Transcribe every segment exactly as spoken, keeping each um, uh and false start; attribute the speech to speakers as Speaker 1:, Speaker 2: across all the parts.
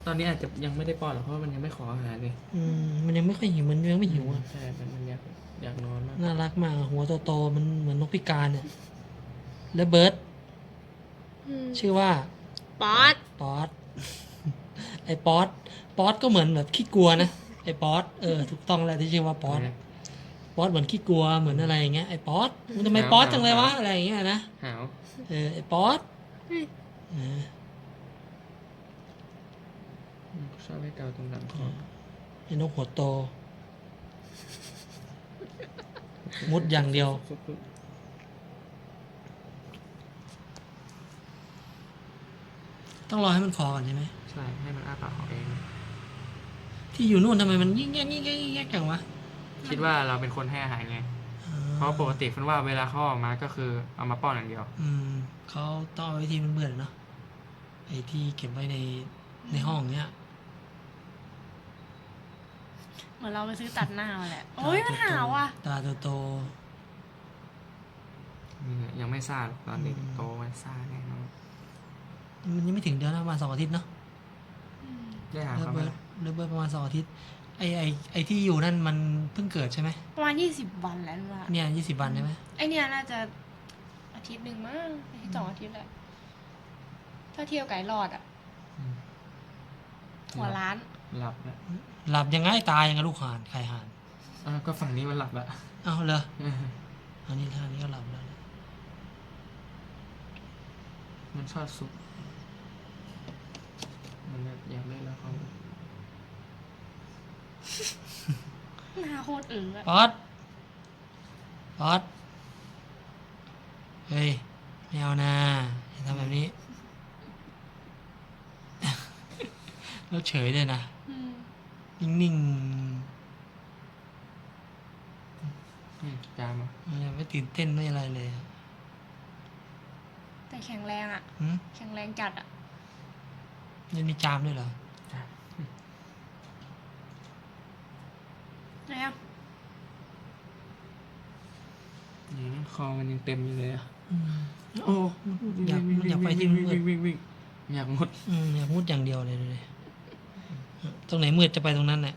Speaker 1: ตอนนี้อาจจะยังไม่ได้ป้อนหรอกเพราะว่ามันยังไม่ขออาหารเลย
Speaker 2: อืมมันยังไม่ค่อยหิวมันยังไม่หิวอ่ะ
Speaker 1: ใช่มันมันอยากอยากนอนมาก
Speaker 2: น่ารักมากหัวโตๆมันเหมือนนกพิการเนี่ยแล้วเบิร์ด
Speaker 3: อืม
Speaker 2: ชื่อว่า
Speaker 3: ป๊อต
Speaker 2: ป๊อต ไอ้ป๊อตป๊อตก็เหมือนแบบขี้กลัวนะไอ้ป๊อตเออถูกต้องแล้วที่ชื่อว่าป๊อตป๊อตเหมือนขี้กลัวเหมือนอะไรอย่างเงี้ยไอ้ป๊อตมันทำไมป๊อตจังเลยวะอะไรอย่างเงี้ยนะ
Speaker 1: หาว
Speaker 2: เออไอ้ป๊อต
Speaker 3: เฮ้ย
Speaker 2: เออ
Speaker 1: อืมชอบให้เกาตรงหลังคอ
Speaker 2: ไอ้นกหัวโต มุดอย่างเดียว
Speaker 1: ซุบ
Speaker 2: ต้องรอให้มันคอก่อนใช่ไหม
Speaker 1: ๆใช่ให้มันอ้าปากของเอง
Speaker 2: ที่อยู่นู่นทำไมมันยิ่งแยกยิ่งแยกยิ่งแยกจังวะ
Speaker 1: คิดว่าเราเป็นคนให้อาหารไง เพราะปกติฟันว่าเวลาเขาออกมาก็คือเอามาป้อนอย่างเดียว
Speaker 2: อืมเขาต้องเอาไว้ที่มันเบื่อเนาะไอ้ที่เก็บไว้ในในห้องเนี้ย
Speaker 3: เหมือนเราไปซื้อตัดหน้ามาแหละ โอ้ยมันหาวอ่ะ
Speaker 2: ตาโต
Speaker 1: นี่แหละยังไม่ซ่าหรอกตอนเด็ก
Speaker 2: อืม
Speaker 1: โตมันซ่าแน่นอน
Speaker 2: ๆมันยังไม่ถึงเดือนนะประมาณสองอาทิตย์เนาะ
Speaker 1: ได้หา
Speaker 2: เลิฟ
Speaker 1: เขาไหม
Speaker 2: เบิร์ดเลิฟเบิร์ดประมาณสองอาทิตย์ไอไอไอที่อยู่นั่นมันเพิ่งเกิดใช่ไหม
Speaker 3: ประมาณยี่สิบวันแล้วว่า
Speaker 2: เนี่ยยี่สิบวันใช่ไหม
Speaker 3: ไอเนี่ยน่าจะอาทิตย์หนึ่งมั้งอาทิตย์สองอาทิตย์แหละ ถ้าเที่ยวไก่รอดอ่ะ
Speaker 1: อืม
Speaker 3: หัวล้าน
Speaker 1: หลับแล้ว
Speaker 2: หลับยังไงตายยังไงลูกห่านใครห่าน
Speaker 1: อ่ะก็ฝั่งนี้มันหลับละ
Speaker 2: เอ้าเลยอันนี้ท่านี้ก็หลับแล้ว
Speaker 1: มันชอบซุปมันแบบอยากเล่นแล้วเขา
Speaker 3: หน้าโคตรเอ๋ออะ
Speaker 2: ป๊อตป๊อตเฮ้ยไม่เอานะอย่าทำแบบนี้ แล้วเฉยเลยนะ
Speaker 3: อืม
Speaker 2: นิ่ง
Speaker 1: อืมจามอ่ะ
Speaker 2: ๆมันยังไม่ตื่นเต้นไม่อะไรเลยอะ
Speaker 3: แต่แข็งแรงอ่ะ
Speaker 2: หืม
Speaker 3: แข็งแรงจัดอ่ะ
Speaker 2: ยังมีจามด้วยเหรอ
Speaker 1: จาม
Speaker 3: ไหนอ่ะ
Speaker 1: นี่คอมันยังเต็มอยู่เลยอ่ะ
Speaker 2: อืม
Speaker 1: โอ้
Speaker 2: อยากมันอยากไปที่มืด
Speaker 1: วิ่งวิ่งวิ่งอยากมุด
Speaker 2: อืมอยากมุดอย่างเดียวเลยดูดิตรงไหนมืดจะไปตรงนั้นแหละ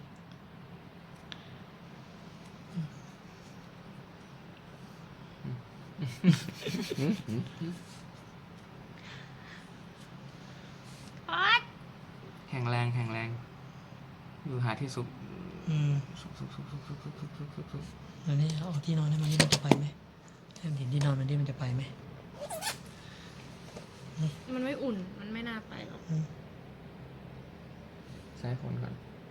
Speaker 3: ป๊อต
Speaker 1: แข็งแรงแข็งแรงอยู่หาที่ซุป
Speaker 2: อืม
Speaker 1: ซุปซุปซุปซุปซุปซุปซุปซุปซุปซุป
Speaker 2: อันนี้เอาที่นอนให้มันนี่มันจะไปไหมให้มันเห็นที่นอนมันนี่มันจะไปไหม
Speaker 3: มันไม่อุ่น มันไม่น่าไปหรอก
Speaker 2: อืม
Speaker 1: สายฝนก่อน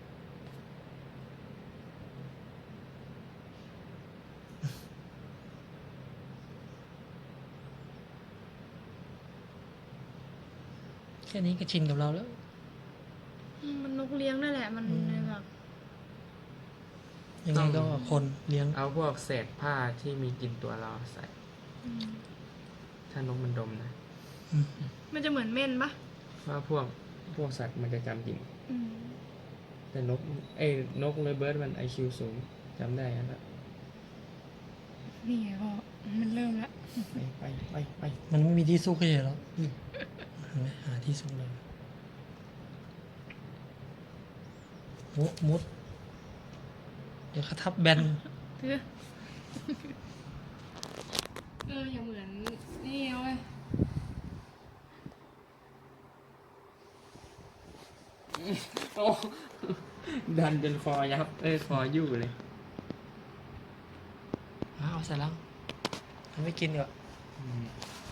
Speaker 2: แค่นี้ก็ชินกับเราแล้ว
Speaker 3: อืมมันนกเลี้ยงนั่นแหละ มัน
Speaker 2: อืม
Speaker 3: เลยแบบ
Speaker 2: ยังไงก็คนเลี้ยง
Speaker 1: เอาพวกเศษผ้าที่มีกลิ่นตัวเราใส่
Speaker 3: อืม
Speaker 1: ถ้านกมันดมนะ
Speaker 2: อืม
Speaker 3: มันจะเหมือนเม่นปะ
Speaker 1: ว่าพวกพวกสัตว์มันจะจำกลิ่น
Speaker 3: อืม
Speaker 1: แต่นกไอ้นกเลยเบิร์ดมันไอคิวสูงจำได้แล้ว
Speaker 3: นี่ไงพ่อมันเริ่มแล้ว
Speaker 1: ไปไปไปไป
Speaker 2: มันไม่มีที่ซุกเฉยๆหรอกเห็นไหมหาที่ซุกเลยมุดมุดเดี๋ยวเขาทับแบน
Speaker 3: เออเอออย่าเหมือนนี่เว้ย
Speaker 1: โอ้ดันจนคอยับเอ้ยคอยู่เลย
Speaker 2: เอาใส่แล้วมันไม่กินดีกว่า
Speaker 1: อืม